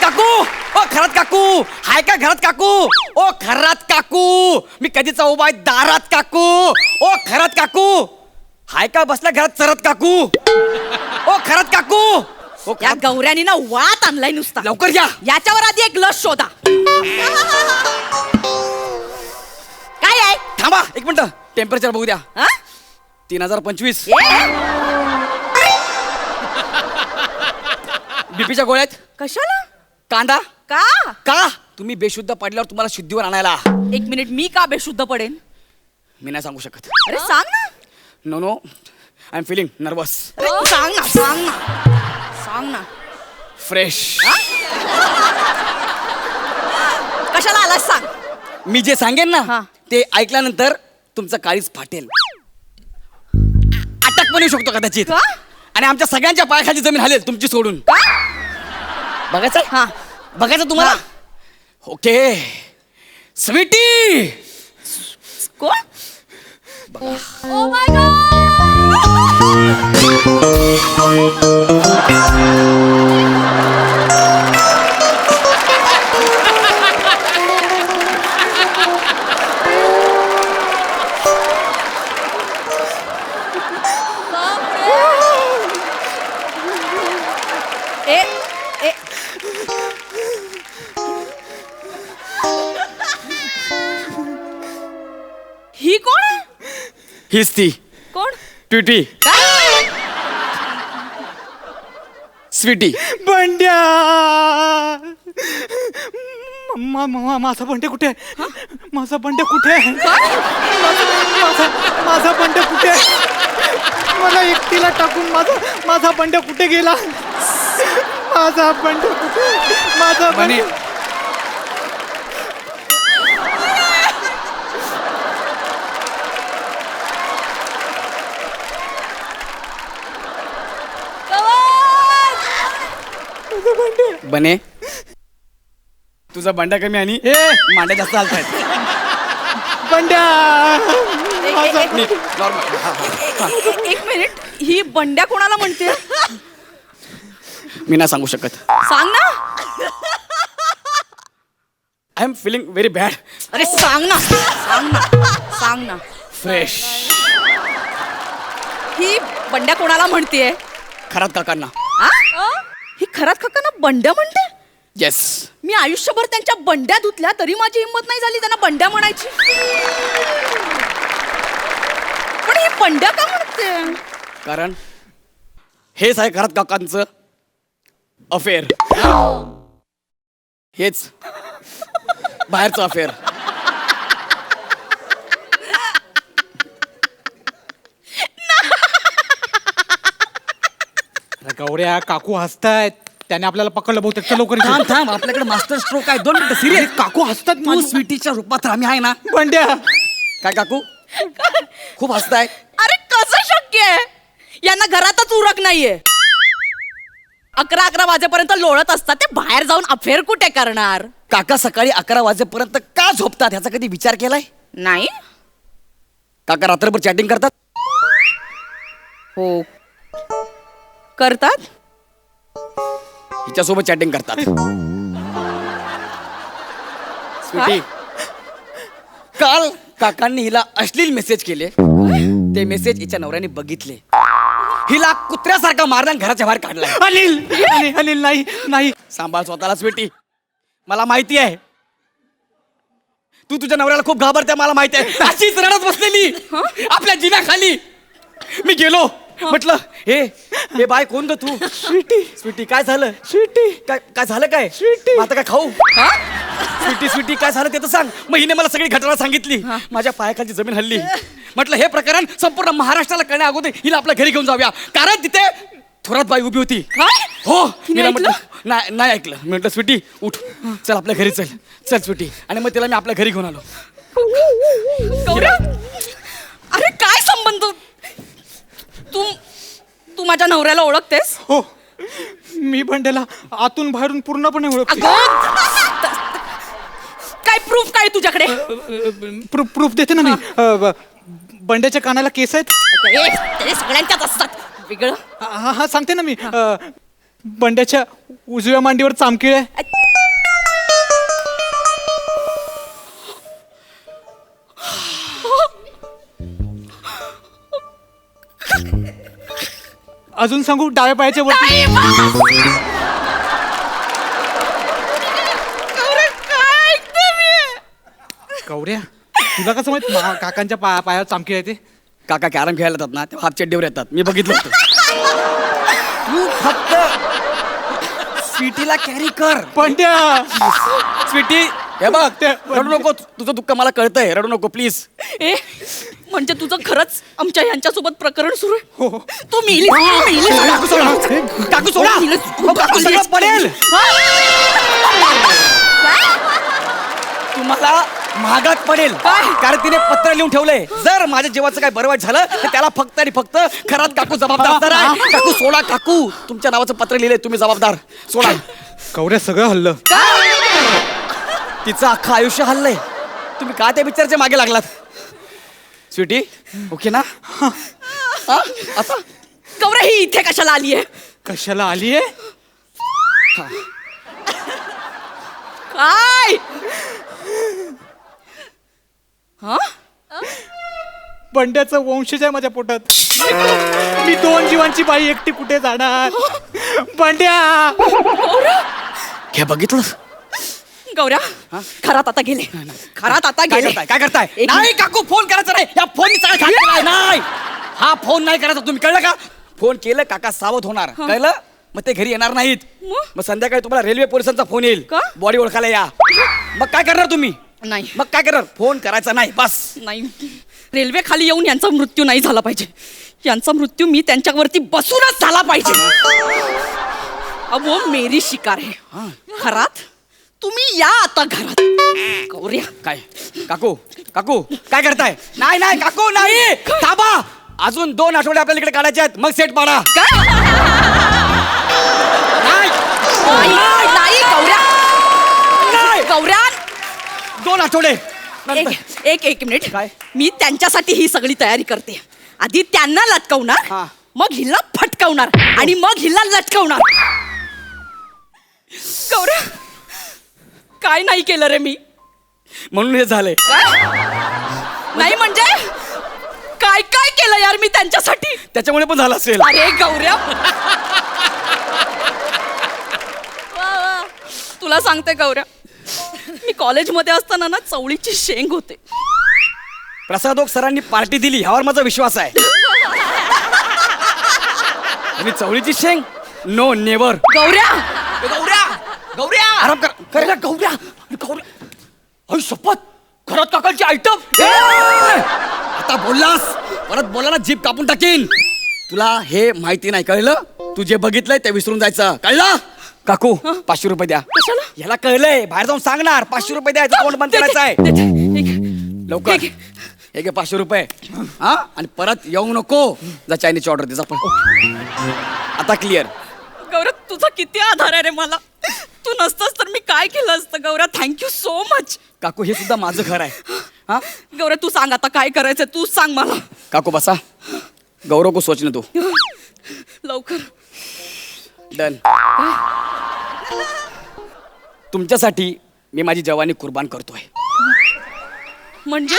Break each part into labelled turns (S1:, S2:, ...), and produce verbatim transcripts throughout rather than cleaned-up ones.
S1: काकू ओ खरात काकू हाय का घरात काकू ओ खरात काकू मी कधीचा उभा आहे दारात काकू ओ खरात काकू हाय का बसला घरात चरत काकू ओ खरात काकू ओ
S2: या गौऱ्यानी ना वात आणलाय नुसता.
S1: लवकर या.
S2: याच्यावर आधी एक लस शोधा. काय आहे?
S1: थांबा एक मिनिट टेम्परेचर बघू द्या.
S2: हा?
S1: तीन हजार पंचवीस बीपीच्या गोळ्यात.
S2: कशाला?
S1: कांदा
S2: का?
S1: का तुम्ही बेशुद्ध पडल्यावर तुम्हाला शुद्धीवर आणायला.
S2: एक मिनिट मी का बेशुद्ध पडेन?
S1: मी नाही सांगू शकत.
S2: अरे सांग ना.
S1: No no I am feeling nervous.
S2: अरे सांग ना सांग ना सांग ना.
S1: फ्रेश.
S2: कशाला आलास सांग.
S1: मी जे सांगेन
S2: हा.
S1: ना ते ऐकल्यानंतर तुमचं काळीच फाटेल. अटक पण येऊ शकतो कदाचित.
S2: का?
S1: आणि आमच्या सगळ्यांच्या पायाखाली जमीन हलेल तुमची सोडून.
S2: का?
S1: बघायचं
S2: हा
S1: बघायचं तुम्हाला. Okay sweetie.
S2: कोण? ओ माय गॉड. ए ए ही कोण आहे?
S1: हीच ती
S2: कोण?
S1: ट्विटी
S2: काय?
S1: स्वीटी.
S3: बंड्या मा- मा- माझा बंड्या कुठे आहे? माझा बंड्या कुठे आहे? माझा माझा बंड्या कुठे आहे? मला एकटीला टाकून माझा माझा बंड्या कुठे गेला? माझा बंड्या कुठे? माझा
S1: बने.
S3: बंड्या
S1: बने तुझा भांडा कमी आणि
S3: ए
S1: मांड्या जास्त चालतायत.
S3: बंड्या
S2: ए-
S3: माझा
S2: ए- ए-
S1: नॉर्मल.
S2: ए- ए- एक मिनिट ही बंड्या कोणाला म्हणते?
S1: मी नाही सांगू शकत.
S2: सांग ना.
S1: I am feeling very bad.
S2: अरे सांग ना सांग ना सांग ना.
S1: फ्रेश.
S2: ही बंड्या कोणाला म्हणतेय?
S1: खरात काकांना.
S2: आ? ही खरात काकांना बंड्या म्हणते?
S1: येस.
S2: मी आयुष्यभर त्यांच्या बंड्या धुतल्या तरी माझी हिंमत नाही झाली त्यांना बंड्या म्हणायची. पण ही बंड्या का म्हणते?
S1: कारण हेच आहे खरात काकांचं अफेअर. हेच बाहेरचं अफेअर.
S3: गौऱ्या काकू हसतायत. त्याने आपल्याला पकडलं बहुतेक. चल लवकर
S1: थांब
S3: इथे.
S1: थांब आपल्याकडे मास्टर स्ट्रोक आहे. दोन मिनिटं सिरियस.
S3: काकू हसतात
S1: तू
S3: माझ्या-
S1: स्वीटीच्या रूपात आम्ही आहे ना.
S3: बंड्या
S1: काय काकू खूप हसताय.
S2: अरे कसं शक्य आहे? यांना घरातच उरक नाहीये. अकरा अकरा वाजेपर्यंत लोळत असतात ते. बाहेर जाऊन अफेअर कुठे करणार?
S1: काका सकाळी अकरा वाजेपर्यंत का झोपतात ह्याचा कधी विचार केलाय?
S2: नाही.
S1: काका रात्रभर चॅटिंग करतात.
S2: हो करतात.
S1: हिच्यासोबत चॅटिंग करतात. स्वीटी काल काकांनी हिला अश्लील मेसेज केले. ते मेसेज हिच्या नवऱ्याने बघितले. हिला कुत्र्यासारखा मारण्यात घराच्या बाहेर काढलाय.
S3: अनिल अनिल अनिल नाही नाही.
S1: सांभाळ स्वतःला स्वीटी. मला माहिती आहे तू तुझ्या नवऱ्याला खूप घाबरते. मला माहिती आहे. अशीच रडत बसलेली आपल्या जिन्याखाली. मी गेलो म्हटलं हे हे बाय कोण ग तू?
S3: स्वीटी
S1: स्वीटी काय झालं?
S3: स्वीटी
S1: काय काय झालं काय?
S3: स्वीटी.
S1: मग आता काय खाऊ? स्वीटी स्वीटी काय झालं ते तर सांग. मग हिने मला सगळी घटना सांगितली. माझ्या पायाखालची जमीन हल्ली. म्हटलं हे प्रकरण संपूर्ण महाराष्ट्राला कळण्या अगोदर हिला आपल्या घरी घेऊन जाऊया. कारण तिथे थोरात बाई उभी होती. हो हिला म्हटलं नाही नाही ऐकलं. मी म्हटलं स्वीटी उठ चल आपल्या घरी चल. चल स्वीटी. आणि मग तिला मी आपल्या घरी घेऊन आलो.
S2: गौरव अरे काय संबंध? तू तू माझ्या नवऱ्याला ओळखतेस?
S3: हो मी बंड्याला आतून बाहेरून पूर्णपणे ओळखते.
S2: अगं काय प्रूफ काय तुझ्याकडे?
S3: प्रूफ प्रूफ देते ना मी. अ, ब- बंड्याच्या कानाला केस आहेत.
S2: ए, ते सगळ्यांच्याच असतात. वेगळं
S3: हा हा सांगते ना मी. अ, बंड्याच्या उजव्या मांडीवर चामखीळ आहे. अजून सांगू डाव्या पायाच्या वरती.
S2: नाही, बस. गौऱ्या, काय ऐकते मी?
S3: गौऱ्या तुला कसं माहित मा- काकांच्या पाया पायावर चामकी आहे ते?
S1: काका कॅरम खेळायला येतात ना तेव्हा हाफ चड्डीवर येतात मी बघितलं होतं. तू फक्त स्वीटीला कॅरी कर.
S3: बंड्या
S1: स्वीटी हे बघ
S3: ते-
S1: रडू नको तुझं दुःख मला कळतंय रडू नको प्लीज.
S2: ए म्हणजे तुझं खरंच आमच्या यांच्यासोबत प्रकरण सुरू आहे?
S3: हो हो.
S2: तू मेली मेली
S1: काकू सोडा काकू सोडा अहो, काकू सगळं पडेल. तुम्हाला महागात पडेल
S2: काय?
S1: कारण तिने पत्र लिहून ठेवलंय जर माझ्या जीवाचं काय बरं वाईट झालं तर त्याला फक्त आणि फक्त खरात काकू जबाबदार असणार आहे. काकू सोडा काकू तुमच्या नावाचं पत्र लिहिलंय तुम्ही जबाबदार सोडा.
S3: गौऱ्या सगळं हल्लं.
S1: तिचं अख्खं आयुष्य हल्लंय तुम्ही का त्या पिक्चरच्या मागे लागलात. स्वीटी ओके ना हा, आता
S2: गौऱ्या ही इथे कशाला आली आहे?
S3: कशाला आलीये?
S2: काय हा
S3: बंड्याचं वंशज आहे माझ्या पोटात. मी दोन जीवांची बाई एकटी कुठे जाणार? बंड्या
S1: हे बघितलं
S2: गौऱ्या खरात आता गेले खरात आता
S1: काय
S2: गेले
S1: करताय काय करताय
S2: एक
S1: नाही काकू फोन करायचा नाही या फोन केलाय नाही हा फोन नाही करायचा तुम्ही कळलं का. फोन केलं काका सावध होणार कळलं मग ते घरी येणार नाहीत.
S2: मग?
S1: मग संध्याकाळी तुम्हाला रेल्वे पोलिसांचा फोन येईल
S2: का?
S1: बॉडी ओळखायला या. मग काय करणार तुम्ही
S2: नाही
S1: मग काय करणार फोन करायचा नाही बस.
S2: नाही रेल्वे खाली येऊन यांचा मृत्यू नाही झाला पाहिजे. यांचा मृत्यू मी त्यांच्यावरती बसूनच झाला पाहिजे. अब वो मेरी शिकार है. घरात तुम्ही या आता घरात. गौऱ्या
S1: काय काकू काकू काय करताय नाही नाही काकू नाही थांबा अजून दोन आठवडे आपल्याला इकडे काढायचे आहेत मग सेट पाडा.
S2: काय
S1: नाही
S2: नाही नाही, गौऱ्या
S1: नाही.
S2: गौऱ्या
S1: दोन आठवडे
S2: एक एक एक मिनिट
S1: काय?
S2: मी त्यांच्यासाठी ही सगळी तयारी करते. आधी त्यांना लटकवणार
S1: हा.
S2: मग हिला फटकवणार आणि मग हिला लटकवणार. गौऱ्या काय नाही केलं रे मी.
S1: म्हणून हे झालंय.
S2: नाही म्हणजे काय काय केलं यार मी त्यांच्यासाठी.
S1: त्याच्यामुळे पण झालं असेल.
S2: अरे गौऱ्या वा, वा. तुला सांगते गौऱ्या मी कॉलेजमध्ये असताना ना चवळीची शेंग होते.
S1: प्रसादोक सरांनी पार्टी दिली ह्यावर माझा विश्वास आहे. आणि चवळीची शेंग नो नेवर.
S2: गौऱ्या
S1: गौऱ्या गौऱ्या आराम कर कर गौऱ्या गौऱ्या अय शपथ घरात काकांची आयटम. आता बोललास परत बोला ना जीप कापून टाकीन. तुला हे माहिती नाही कळलं तू जे बघितलंय ते विसरून जायचं कळलं. काकू पाचशे रुपये द्या.
S2: कशाला?
S1: याला कळलंय बाहेर जाऊन सांगणार पाचशे रुपये द्यायचं कोण बंद करायचं आहे
S2: दे, दे, दे. एक-
S1: लवकर
S2: एक-
S1: हे घे पाचशे रुपये हा आणि परत येऊ नको जा चायनीजची ऑर्डर दे जा पण. आता क्लिअर.
S2: गौरव तुझा किती आधार आहे रे मला. तू नसतस तर मी काय केलं असतं. Gaurav thank you so much.
S1: काकू हे सुद्धा माझं घर आहे हा.
S2: गौरव तू सांग आता काय करायचं तू सांग मला
S1: काकू बसा गौरव को सोचने तू
S2: लवकर.
S1: डन. तुमच्यासाठी मी माझी जवानी कुर्बान करतोय.
S2: म्हणजे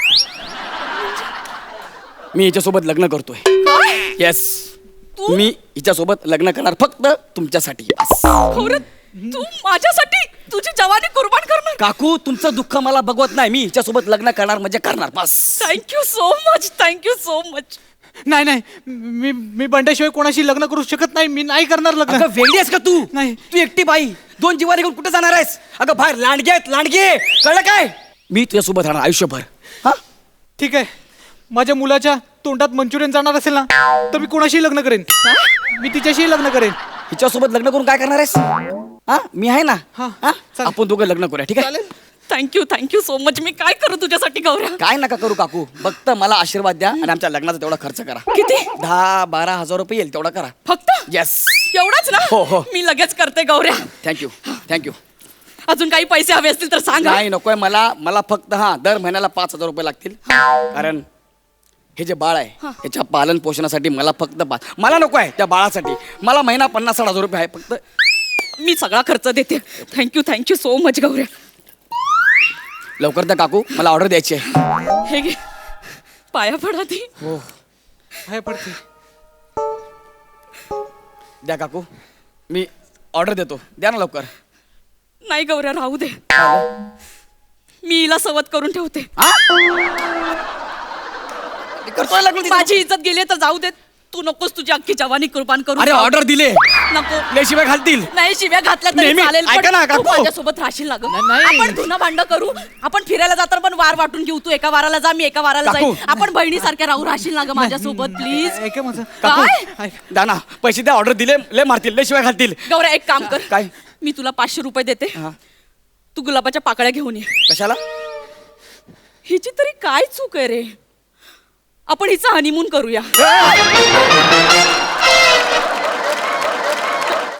S1: मी हिच्यासोबत लग्न करतोय.
S2: काय
S1: येस
S2: तू
S1: मी हिच्यासोबत लग्न करणार फक्त तुमच्यासाठी. Yes.
S2: गौरव तू माझ्यासाठी तुझी जवानी कुर्बान करणार.
S1: काकू तुमचं दुःख मला बघवत नाही मी हिच्यासोबत लग्न करणार म्हणजे करणार बस.
S2: Thank you so much thank you so much.
S3: नाही नाही मी मी बंड्याशिवाय कोणाशी लग्न करू शकत नाही. मी नाही करणार लग्न.
S1: अगं वेगळी आहेस का तू
S3: नाही.
S1: तू एकटी बाई दोन जीवाने घेऊन कुठे जाणार आहेस. अगं बाहेर लांडगे आहेत लांडगे कळलं काय. मी तुझ्यासोबत राहणार आयुष्यभर. हा
S3: ठीक आहे माझ्या मुलाच्या तोंडात मंचुरियन जाणार असेल ना तर मी कोणाशी लग्न करेन. मी तिच्याशी लग्न करेन.
S1: हिच्यासोबत लग्न करून काय करणार आहेस. हा मी आहे ना
S3: हा,
S1: हा?
S3: चालेल.
S1: आपण दोघं लग्न करूया ठीक आहे.
S3: चालेल.
S2: Thank you thank you so much. मी काय करू तुझ्यासाठी गौरव.
S1: काय नका करू काकू फक्त मला आशीर्वाद द्या आणि आमच्या लग्नाचा तेवढा खर्च करा.
S2: किती?
S1: दहा बारा हजार रुपये येईल तेवढा करा.
S2: फक्त
S1: येस
S2: एवढंच ना.
S1: हो, हो.
S2: मी लगेच करते गौऱ्या.
S1: Thank you thank you.
S2: अजून काही पैसे हवे असतील तर सांग हा.
S1: नाही नकोय मला मला फक्त हा दर महिन्याला पाच हजार रुपये लागतील कारण हे जे बाळ आहे याच्या पालन पोषणासाठी मला फक्त पाच मला नको आहे त्या बाळासाठी मला महिना पन्नास साठ हजार रुपये आहे फक्त.
S2: मी सगळा खर्च देते. थँक्यू थँक्यू सो मच गौऱ्या.
S1: लवकर द्या काकू मला ऑर्डर द्यायची आहे.
S2: हे घे पाया पडा ती.
S1: हो
S3: काय पडते
S1: द्या काकू मी ऑर्डर देतो द्या ना लवकर.
S2: नाही गौऱ्या राहू दे, मी हिला सवत करून ठेवते.
S1: हा? करतोय लागलो तिथं.
S2: माझी इज्जत गेली तर जाऊ दे, तू नकोस तुझी अख्खी जवानी कुर्बान करू.
S1: अरे ऑर्डर दिले
S2: नको,
S1: लय शिवाय घालतील.
S2: नाही शिव्या घातल्या तरी
S1: नेहमी-
S2: चालेल,
S1: ऐका ना,
S2: पण तू
S1: काकू.
S2: माझ्यासोबत राहशील ना गं.
S3: नाही.
S2: आपण धुणं भांडं करू, आपण फिरायला जाताना पण वार वाटून घेऊ. तू एका वाराला जा, मी एका वाराला
S1: काकू.
S2: जाईल. आपण बहिणीसारख्या राहू, राहशील ना गं माझ्यासोबत प्लीज.
S3: ऐका माझं
S2: काय
S3: ऐक.
S1: द्या ना पैसे द्या ऑर्डर दिले लय मारतील लय शिवाय घालतील.
S2: गौऱ्या एक काम कर,
S1: काय?
S2: मी तुला पाचशे रुपये देते,
S1: हा.
S2: तू गुलाबाच्या पाकळ्या घेऊन ये.
S1: कशाला?
S2: हिची तरी काय चूक आहे रे, आपण हिचा हनीमून करूया.
S1: ए!